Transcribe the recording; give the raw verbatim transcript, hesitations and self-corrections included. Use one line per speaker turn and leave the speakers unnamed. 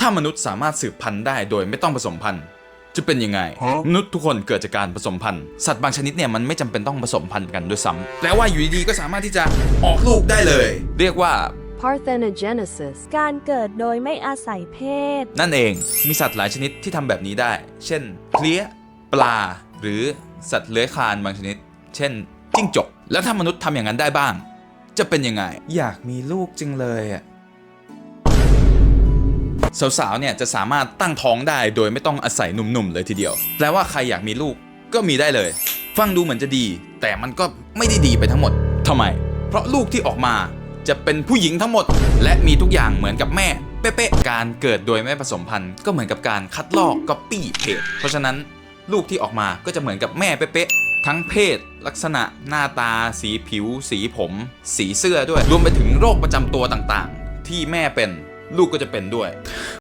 ถ้ามนุษย์สามารถสืบพันธุ์ได้โดยไม่ต้องผสมพันธุ์จะเป็นยังไงมนุษย์ทุกคนเกิดจากการผสมพันธุ์สัตว์บางชนิดเนี่ยมันไม่จำเป็นต้องผสมพันธุ์กันด้วยซ้ำแปลว่าอยู่ดีๆก็สามารถที่จะออกลูกได้เลยเรียกว่า
parthenogenesis
การเกิดโดยไม่อาศัยเพศ
นั่นเองมีสัตว์หลายชนิดที่ทำแบบนี้ได้เช่นเพลี้ยปลาหรือสัตว์เลื้อยคลานบางชนิดเช่นจิ้งจกแล้วถ้ามนุษย์ทำอย่างนั้นได้บ้างจะเป็นยังไงอยากมีลูกจริงเลยอ่ะสาวๆเนี่ยจะสามารถตั้งท้องได้โดยไม่ต้องอาศัยหนุ่มๆเลยทีเดียวแปลว่าใครอยากมีลูกก็มีได้เลยฟังดูเหมือนจะดีแต่มันก็ไม่ได้ดีไปทั้งหมดทำไมเพราะลูกที่ออกมาจะเป็นผู้หญิงทั้งหมดและมีทุกอย่างเหมือนกับแม่เป๊ะๆการเกิดโดยไม่ผสมพันธุ์ก็เหมือนกับการคัดลอกก๊อปปี้เพจเพราะฉะนั้นลูกที่ออกมาก็จะเหมือนกับแม่เป๊ะๆทั้งเพศลักษณะหน้าตาสีผิวสีผมสีเสื้อด้วยรวมไปถึงโรคประจำตัวต่างๆที่แม่เป็นลูกก็จะเป็นด้วย